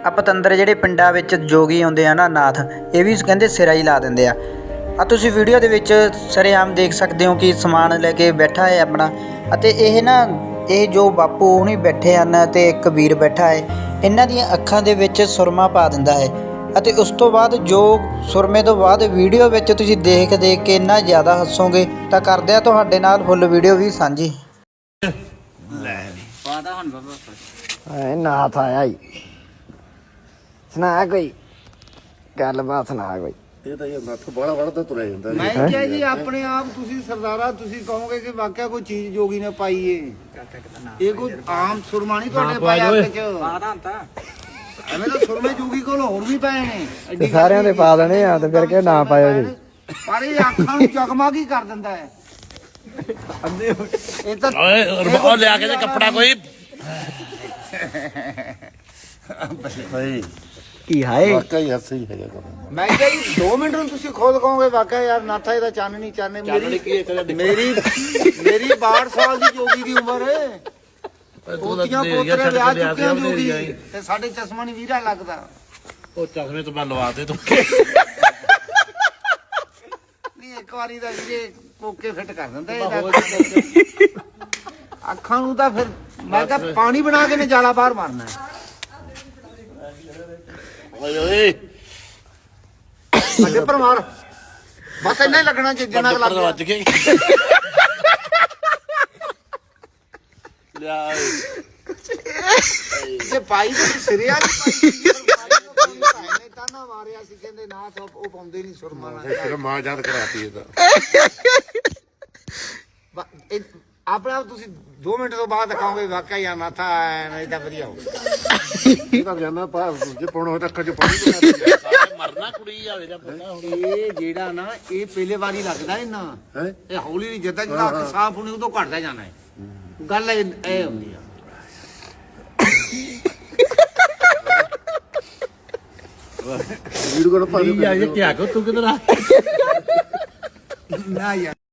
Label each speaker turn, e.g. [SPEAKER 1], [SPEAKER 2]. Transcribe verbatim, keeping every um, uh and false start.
[SPEAKER 1] ਆ ਪਤੰਦਰ ਜਿਹੜੇ ਪਿੰਡਾਂ ਵਿੱਚ ਜੋਗੀ ਆਉਂਦੇ ਆ ਨਾ ਨਾਥ, ਇਹ ਵੀ ਕਹਿੰਦੇ ਸਿਰਾ ਹੀ ਲਾ ਦਿੰਦੇ ਆ। ਆ ਤੁਸੀਂ ਵੀਡੀਓ ਦੇ ਵਿੱਚ ਸਰੇਆਮ ਦੇਖ ਸਕਦੇ ਹੋ ਕਿ ਸਮਾਨ ਲੈ ਕੇ ਬੈਠਾ ਹੈ ਆਪਣਾ, ਅਤੇ ਇਹ ਨਾ ਇਹ ਜੋ ਬਾਪੂ ਹੁਣੀ ਬੈਠੇ ਹਨ ਤੇ ਇੱਕ ਵੀਰ ਬੈਠਾ ਹੈ, ਇਹਨਾਂ ਦੀਆਂ ਅੱਖਾਂ ਦੇ ਵਿੱਚ ਸੁਰਮਾ ਪਾ ਦਿੰਦਾ ਹੈ। ਅਤੇ ਉਸ ਤੋਂ ਬਾਅਦ ਜੋ ਸੁਰਮੇ ਤੋਂ ਬਾਅਦ ਵੀਡੀਓ ਵਿੱਚ ਤੁਸੀਂ ਦੇਖ ਦੇਖ ਕੇ ਇੰਨਾ ਜ਼ਿਆਦਾ ਹੱਸੋਗੇ ਤਾਂ ਕਰਦੇ ਆ ਤੁਹਾਡੇ ਨਾਲ ਫੁੱਲ ਵੀਡੀਓ ਵੀ ਸਾਂਝੀ।
[SPEAKER 2] ਨਾਥ ਆਇਆ ਈ, ਸੁਣਾ ਕੋਈ ਗੱਲਬਾਤ, ਸੁਣਾ ਕੋਈ।
[SPEAKER 3] ਇਹ ਤਾਂ ਇਹ ਨੱਥ ਬੜਾ ਵੜਦਾ ਤੁਰਿਆ ਜਾਂਦਾ।
[SPEAKER 4] ਮੈਂ ਕਿਹਾ ਜੀ ਆਪਣੇ ਆਪ ਤੁਸੀਂ ਸਰਦਾਰਾ ਤੁਸੀਂ ਕਹੋਗੇ ਕਿ ਵਾਕਿਆ ਕੋਈ ਚੀਜ਼ ਜੋਗੀ ਨੇ ਪਾਈ ਏ, ਇਹ ਕੋਈ ਆਮ ਸੁਰਮਾ ਨਹੀਂ ਤੁਹਾਡੇ ਪਾਇਆ ਵਿੱਚ। ਐਵੇਂ ਤਾਂ ਸੁਰਮੇ ਜੋਗੀ ਕੋਲ ਹੋਰ ਵੀ ਪਏ ਨੇ,
[SPEAKER 2] ਸਾਰਿਆਂ ਦੇ ਪਾ ਦੇਣੇ ਆ ਤੇ ਫਿਰ ਕਿ ਨਾ ਪਾਇਓ ਜੀ।
[SPEAKER 4] ਪਰ ਇਹ ਅੱਖਾਂ ਨੂੰ ਚਕਮਕ ਹੀ ਕਰ ਦਿੰਦਾ ਹੈ। ਇਹ ਤਾਂ
[SPEAKER 5] ਉਹ ਲਿਆ ਕੇ ਤੇ ਕੱਪੜਾ ਕੋਈ
[SPEAKER 3] ਸਹੀ
[SPEAKER 2] ਕੀ ਹਾਏ
[SPEAKER 3] ਵਾਕਈ ਹੀ ਸਹੀ ਹੈਗਾ ਕੰਮ।
[SPEAKER 4] ਮੈਂ ਕਿਹਾ ਜੀ ਦੋ ਮਿੰਟ ਨੂੰ ਤੁਸੀਂ ਖੁਦ ਕਹੋਗੇ ਵਾਕਿਆ ਯਾਰ ਨਾਥਾ ਇਹਦਾ ਚੰਨ ਨਹੀਂ ਚਾਨੇ। ਮੇਰੀ ਮੇਰੀ ਮੇਰੀ ਬਾਹਠ ਸਾਲ ਦੀ ਜੋਗੀ ਦੀ ਉਮਰ ਹੈ, ਪੋਤੀਆਂ ਪੋਤਰੇ ਵਿਆਹ ਚੁੱਕੇ ਹੋ ਜੋਗੀ, ਤੇ ਸਾਡੇ ਚਸ਼ਮਾ ਨਹੀਂ ਵੀਰਾ ਲੱਗਦਾ।
[SPEAKER 5] ਉਹ ਚਸ਼ਮੇ ਤੋਂ ਮੈਂ ਲਵਾ ਦੇ ਤੂੰ।
[SPEAKER 4] ਨਹੀਂ ਇੱਕ ਵਾਰੀ ਦਾ ਵੀਰੇ ਕੋਕੇ ਫਿੱਟ ਕਰ ਦਿੰਦਾ ਇਹਦਾ। ਅੱਖਾਂ ਨੂੰ ਤਾਂ ਫਿਰ ਮੈਂ ਕਿਹਾ ਪਾਣੀ ਬਣਾ ਕੇ ਨੇ ਜਾਲਾ ਬਾਹਰ ਮਾਰਨਾ।
[SPEAKER 5] ਓਏ ਓਏ
[SPEAKER 4] ਅੱਗੇ ਪਰ ਮਾਰ, ਬਸ ਇੰਨਾ ਹੀ ਲੱਗਣਾ ਜਿੰਨਾ ਕੁ ਲੱਗ ਗਿਆ।
[SPEAKER 5] ਵੱਜ ਗਏ ਲਿਆ
[SPEAKER 4] ਜੇ ਪਾਈ ਤੇ ਸਿਰੇ ਵਾਲੀ ਪਾਈ ਨੇ ਤਾਨਾ ਮਾਰਿਆ ਸੀ, ਕਹਿੰਦੇ ਨਾ ਉਹ ਪਾਉਂਦੇ ਨਹੀਂ ਸੁਰਮਾ ਨਾਲ।
[SPEAKER 3] ਫਿਰ ਮਾਂ ਯਾਦ ਕਰਾਤੀ ਇਹਦਾ।
[SPEAKER 4] ਆਪਣੇ ਆਪ ਤੁਸੀਂ ਦੋ ਮਿੰਟ ਤੋਂ ਬਾਅਦ ਦਿਖਾਓਗੇ ਵਾਕਿਆ ਯਾਰ ਨਾਥਾ ਇਹਦਾ ਵਧੀਆ ਹੋ।
[SPEAKER 3] ਇਹ ਤਾਂ ਜਾਨਾ ਪਾ ਜੇ ਪਾਉਣਾ ਹੋਇਆ ਤਾਂ ਅੱਖਾਂ 'ਚ ਪਾਣੀ
[SPEAKER 5] ਮਰਨਾ ਕੁੜੀ ਜਾਵੇ ਜਾਂ ਪਤਾ ਹੁਣ।
[SPEAKER 4] ਇਹ ਜਿਹੜਾ ਨਾ ਇਹ ਪਹਿਲੇ ਵਾਰੀ ਲੱਗਦਾ ਇਹਨਾਂ
[SPEAKER 3] ਹੈ।
[SPEAKER 4] ਇਹ ਹੌਲੀ ਨਹੀਂ ਜਿੱਦਾਂ ਜਿੱਦਾਂ ਅੱਖ ਸਾਫ਼ ਹੋਣੀ ਉਦੋਂ ਘਟਦਾ ਜਾਣਾ ਹੈ। ਗੱਲ ਇਹ ਇਹ ਹੁੰਦੀ ਆ।
[SPEAKER 3] ਵੀਡੀਓ ਕੋਲ ਪਾ ਦੇ।
[SPEAKER 5] ਕੀ ਆ ਇਹ ਕੀ ਆ ਤੂੰ ਕਿਧਰ ਆ
[SPEAKER 4] ਨਾ ਯਾਰ।